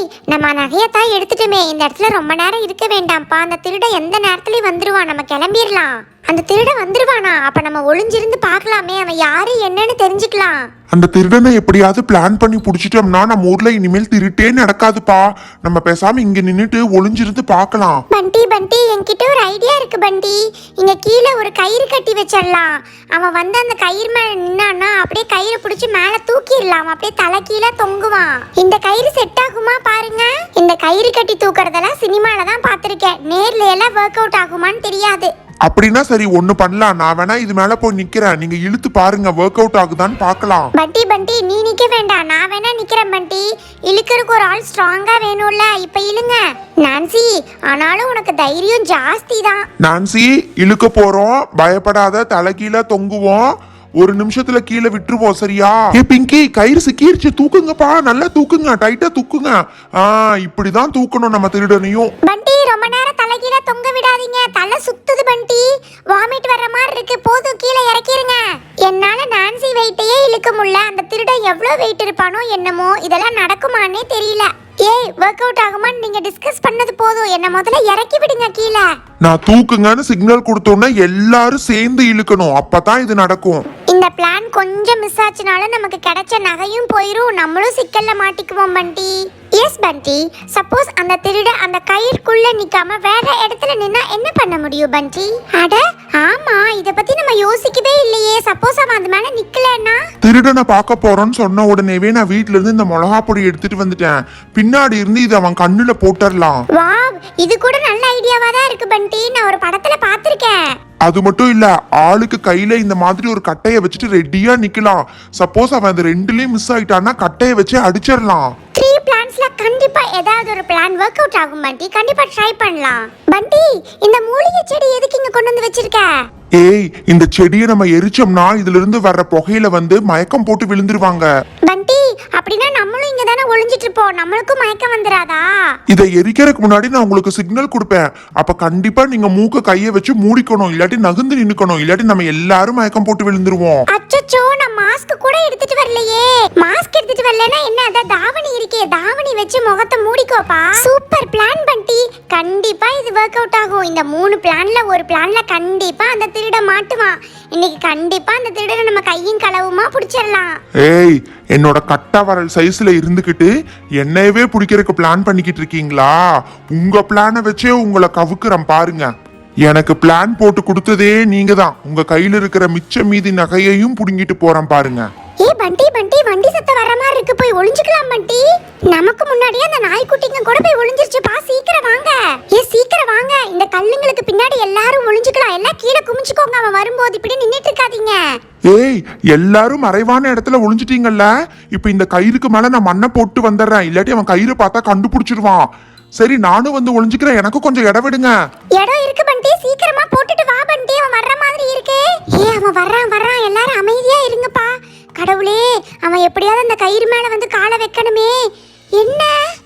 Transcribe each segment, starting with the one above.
நம்ம நகையத்தான் எடுத்துட்டுமே, இந்த இடத்துல ரொம்ப நேரம் இருக்க வேண்டாம்ப்பா. அந்த திருட எந்த நேரத்துலயும் வந்துருவான், நம்ம கிளம்பிடலாம். அந்த திருட வந்துருவானா? அப்ப நம்ம ஒளிஞ்சிருந்து பார்க்கலாமே, அவன் யாரு என்னன்னு தெரிஞ்சுக்கலாம். அந்த திருடனை எப்படியாவது பிளான் பண்ணி புடிச்சிட்டோம்னா நம்ம ஊர்ல இனிமேல் திருட்டே நடக்காதுப்பா. நம்ம பேசாம இங்க நின்னுட்டு ஒளிஞ்சிருந்து பார்க்கலாம். பண்டி பண்டி, என்கிட்ட ஒரு ஐடியா இருக்கு பண்டி. இங்க கீழே ஒரு கயிறு கட்டி வச்சிடலாம். அவன் வந்து அந்த கயிறு மேல நின்னான்னா அப்படியே கயிறு பிடிச்சி மேல தூக்கிடலாம். அப்படியே தலை கீழே தொங்குவான். இந்த கயிறு செட் ஆகுமா பாருங்க. இந்த கயிறு கட்டி தூக்குறதெல்லாம் சினிமால தான் பார்த்திருக்கேன். நேர்ல எல்லாம் ஒர்க் அவுட் ஆகுமான்னு தெரியாது. அப்படின்னா சரி, ஒண்ணு பண்ணலாம். நான் வேணா இது மேல போய் நிக்கிறேன், நீங்க இழுத்து பாருங்க ஒர்க் அவுட் ஆகுதான்னு பார்க்கலாம். பண்டி பண்டி, நீ நிக்க வேண்டாம், நான் வேணா நிக்கிறேன் பண்டி. இழுக்கிறதுக்கு ஒரு ஆள் ஸ்ட்ராங்கா வேணும்ல, இப்ப இழுங்க. நான்சி, ஆனாலும் உனக்கு தைரியம் ஜாஸ்தி தான். நான்சி, இழுக்க போறோம், பயப்படாத, தலை கீழே தொங்குவோம். ஒரு நிமிஷத்துல கீழே விட்டுருவோம், சரியா? ஏ பிங்கி, கயிறு சிக்கிருச்சு, தூக்குங்கப்பா, நல்லா தூக்குங்க, டைட்டா தூக்குங்க. இப்படிதான் தூக்கணும் நம்ம திருடனையும். பண்டி, ரொம்ப நேரம் தலை கீழே தொங்க விடாதீங்க, தலை சுத்துது பண்டி. வாமிட் வர்ற மாதிரி இருக்கு, போதும் கீழே இறக்கிருங்க. என்னால நான்சி வெயிட்டையே இழுக்க முடியல. அந்த திருடன் எவ்வளவு வெயிட் இருப்பானோ என்னமோ, இதெல்லாம் நடக்குமானே தெரியல. ஏய், ஒர்க் அவுட் ஆகுமான்னு நீங்க டிஸ்கஸ் பண்ணது போதும், என்ன முதல்ல இறக்கி விடுங்க கீழே. நான் தூக்குங்கன்னு சிக்னல் கொடுத்தோன்னே எல்லாரும் சேர்ந்து இழுக்கணும், அப்பதான் இது நடக்கும். இந்த பிளான் கொஞ்சம் மிஸ் ஆச்சுனால நமக்கு கிடைச்ச நகையும் போயிரும், நம்மளும் சிக்கல்ல மாட்டிக்குவோம் பண்டி. எஸ் பண்டி, சப்போஸ் அந்த திருட அந்த கயிறுக்குள்ள நிக்காம வேற இடத்துல நின்னா என்ன பண்ண முடியும் பண்டி? அட ஆமா, இத பத்தி நம்ம யோசிக்கவே இல்லையே. சப்போஸ் அவன் அந்த மேல நிக்கலன்னா? திருடனை பார்க்க போறோன்னு சொன்ன உடனேவே நான் வீட்ல இருந்து இந்த மிளகா பொடி எடுத்துட்டு வந்துட்டேன். பின்னாடி இருந்து இது அவன் கண்ணுல போட்டுடலாம். வாவ், இது கூட நல்ல ஐடியாவா தான் இருக்கு பண்டி. நான் ஒரு படத்துல பாத்திருக்கேன். அது மட்டும் இல்ல, ஆளுக்கு கையில இந்த மாதிரி ஒரு கட்டைய வச்சுட்டு ரெடியா நிக்கலாம். சப்போஸ் அவன் அந்த ரெண்டுலயும் மிஸ் ஆயிட்டான்னா கட்டைய வச்சு அடிச்சிடலாம். 3 பிளான்ஸ்ல கண்டிப்பா ஏதாவது ஒரு பிளான் ஒர்க் அவுட் ஆகும் பண்டி. கண்டிப்பா ட்ரை பண்ணலாம். பண்டி, இந்த மூலிகை செடி எதுக்கு இங்க கொண்டு வந்து வச்சிருக்க? ஏய், இந்த செடியை நம்ம எரிச்சோம்னா இதுல இருந்து வர்ற புகையில வந்து மயக்கம் போட்டு விழுந்துருவாங்க. பண்டி, அப்படின்னா நம்மளும் இங்க தானே ஒளிஞ்சிட்டு இருப்போம், நம்மளுக்கும் மயக்கம் வந்துராதா? இதை எரிக்கிறதுக்கு முன்னாடி நான் உங்களுக்கு சிக்னல் கொடுப்பேன். அப்ப கண்டிப்பா நீங்க மூக்க கையை வச்சு மூடிக்கணும், இல்லாட்டி நகுந்து நின்னுக்கணும், இல்லாட்டி நம்ம எல்லாரும் மயக்கம் போட்டு விழுந்துருவோம். அச்சச்சோ, நான் மாஸ்க் கூட எடுத்துட்டு வரலையே. மாஸ்க் எடுத்துட்டு வரலனா என்ன, அத தாவணி இருக்கே, தாவணி வச்சு முகத்தை மூடிக்கோப்பா. சூப்பர் பிளான் பண்டி, கண்டிப்பா இது ஒர்க் அவுட் ஆகும். இந்த 3 பிளான்ல ஒரு பிளான்ல கண்டிப்பா அந்த திருட மாட்டுவான். இன்னைக்கு கண்டிப்பா அந்த திருடனை நம்ம கையும் களவுமா பிடிச்சிடலாம். ஏய், என்னோட கட்டா வரல் சைஸ்ல இருந்துகிட்டு என்னையவே பிடிக்கிறதுக்கு பிளான் பண்ணிக்கிட்டு இருக்கீங்களா? உங்க பிளானை வச்சே உங்களை கவுக்குறேன் பாருங்க. எனக்கு பிளான் போட்டு கொடுத்ததே நீங்க தான். உங்க கையில இருக்கிற மிச்ச மீதி நகையையும் புடுங்கிட்டு போறேன் பாருங்க. ஏ பண்டி பண்டி, வண்டி சத்தம் வர மாதிரி இருக்கு, போய் ஒளிஞ்சுக்கலாம் பண்டி. நமக்கு முன்னாடியே அந்த நாய்க்குட்டிங்க கூட போய் ஒளிஞ்சிருச்சுப்பா, சீக்கிரம் வாங்க. ஏ சீக்கிரம் வாங்க, இந்த கல்லுங்களுக்கு பின்னாடி எல்லாரும் ஒளிஞ்சுக்கலாம். எல்லாம் கீழே குமிச்சுக்கோங்க, அவன் வரும்போது இப்படி நின்னுட்டு இருக்காதீங்க. ஏய், எல்லாரும் மறைவான இடத்துல ஒளிஞ்சிட்டீங்கல்ல, இப்ப இந்த கயிறுக்கு மேல நான் மண்ணை போட்டு வந்துடுறேன், இல்லாட்டி அவன் கயிறு பார்த்தா கண்டுபிடிச்சிருவான். சரி, நானும் வந்து ஒளிஞ்சுக்கிறேன், எனக்கு கொஞ்சம் இடம் விடுங்க. இடம் இருக்கு பண்டி, சீக்கிரமா போட்டுட்டு வா பண்டி, அவன் வர்ற மாதிரி இருக்கு. ஏ அவன் வர்றான் வர்றான், எல்லாரும் அமைதியா இருங்கப்பா. கடவுளே, அவன் எப்படியாவது அந்த கயிறு மேல வந்து காலை வைக்கணுமே. என்ன,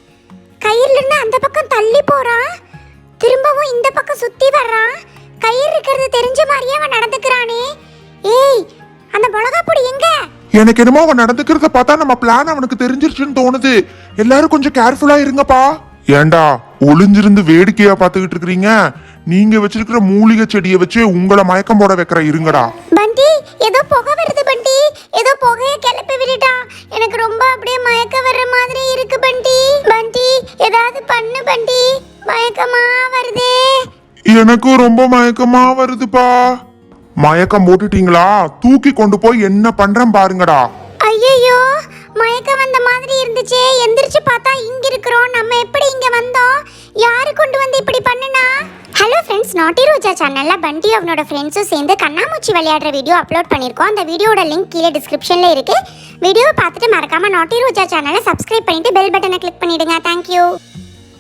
கயிறுல இருந்து அந்த பக்கம் தள்ளி போறான், திரும்பவும் இந்த பக்கம் சுத்தி வர்றான். கயிறு இருக்கிறது தெரிஞ்ச மாதிரியே அவன் நடந்துக்கிறானே. ஏய், அந்த மிளகா பொடி எங்க? எனக்கு என்னமோ அவன் நடந்துக்கிறத பார்த்தா நம்ம பிளான் அவனுக்கு தெரிஞ்சிருச்சுன்னு தோணுது. எல்லாரும் கொஞ்சம் கேர்ஃபுல்லா இருங்கப்பா. ஏண்டா ஒளிஞ்சிருந்து வேடிக்கையா பாத்துக்கிட்டு இருக்கீங்க? நீங்க வச்சிருக்கிற மூலிகை செடியை வச்சு உங்களை மயக்கம் போட வைக்கிற இருங்கடா. பண்டி, ஏதோ புகை வருது பண்டி, ஏதோ புகையை கிளப்பி விட்டுட்டா. எனக்கு ரொம்ப அப்படியே மயக்க வர்ற மாதிரி இருக்கு பண்டி. பண்டி, ஏதாவது பண்ணு பண்டி, மயக்கமா வருதே. எனக்கும் ரொம்ப மயக்கமா வருதுப்பா. மயக்கம் போட்டுட்டீங்களா? தூக்கி கொண்டு போய் என்ன பண்றேன் பாருங்கடா. ஐயோ, மயக்கம் வந்த மாதிரி இருந்துச்சே. எந்திரிச்சு பார்த்தா இங்க இருக்கிறோம். நம்ம எப்படி இங்க வந்தோம்? யாரு கொண்டு வந்து இப்படி பண்ணுனா? ஹலோ ஃப்ரெண்ட்ஸ், நாட்டி ரோஜா சேனல்ல பண்டி அவனோட ஃப்ரெண்ட்ஸும் சேர்ந்து கண்ணாமூச்சி விளையாடுற வீடியோ அப்லோட் பண்ணியிருக்கோம். அந்த வீடியோட லிங்க் கீழே டிஸ்கிரிப்ஷன்ல இருக்கு. வீடியோவை பார்த்துட்டு மறக்காம நாட்டி ரோஜா சேனலை சப்ஸ்கிரைப் பண்ணிட்டு பெல் பட்டனை கிளிக் பண்ணிடுங்க. தேங்க்யூ.